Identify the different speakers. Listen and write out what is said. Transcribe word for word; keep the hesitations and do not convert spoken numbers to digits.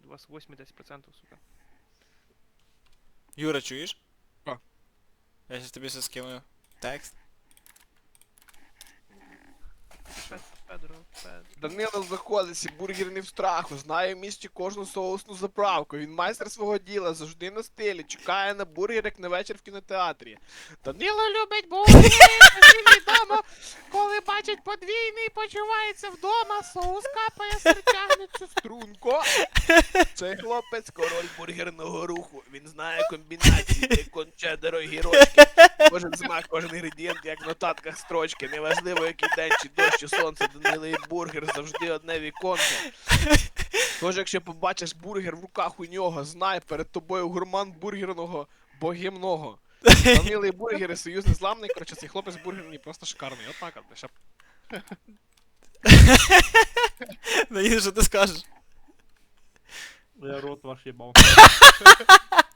Speaker 1: у вас вісімдесят процентів, сука.
Speaker 2: Юра, чуєш?
Speaker 3: А.
Speaker 2: Я щас тобі все скину. Текст.
Speaker 1: Пед- Педро, Педро.
Speaker 3: Данило заходиться, бургер не в страху, знає в місті кожну соусну заправку. Він майстер свого діла, завжди на стилі, чекає на бургер, як на вечір в кінотеатрі. Данило любить бургери, він відомо, коли бачить подвійний, почувається вдома, соус капає, тягнеться струнко. Цей хлопець король бургерного руху. Він знає комбінації, бекон, чеддер, огірочки. Кожен смак, кожен інгредієнт, як в нотатках строчки. Неважливо, який день, чи дощ, чи сонце, Данило і бургер завжди одне віконце. Тож, якщо побачиш бургер в руках у нього, знай, перед тобою гурман бургерного богімного. Данило і бургери, союз незламний, коротше, цей хлопець бургерний просто шикарний. Отак, от, ще.
Speaker 2: Наїду, що ти скажеш?
Speaker 4: Я рот ваш ебал.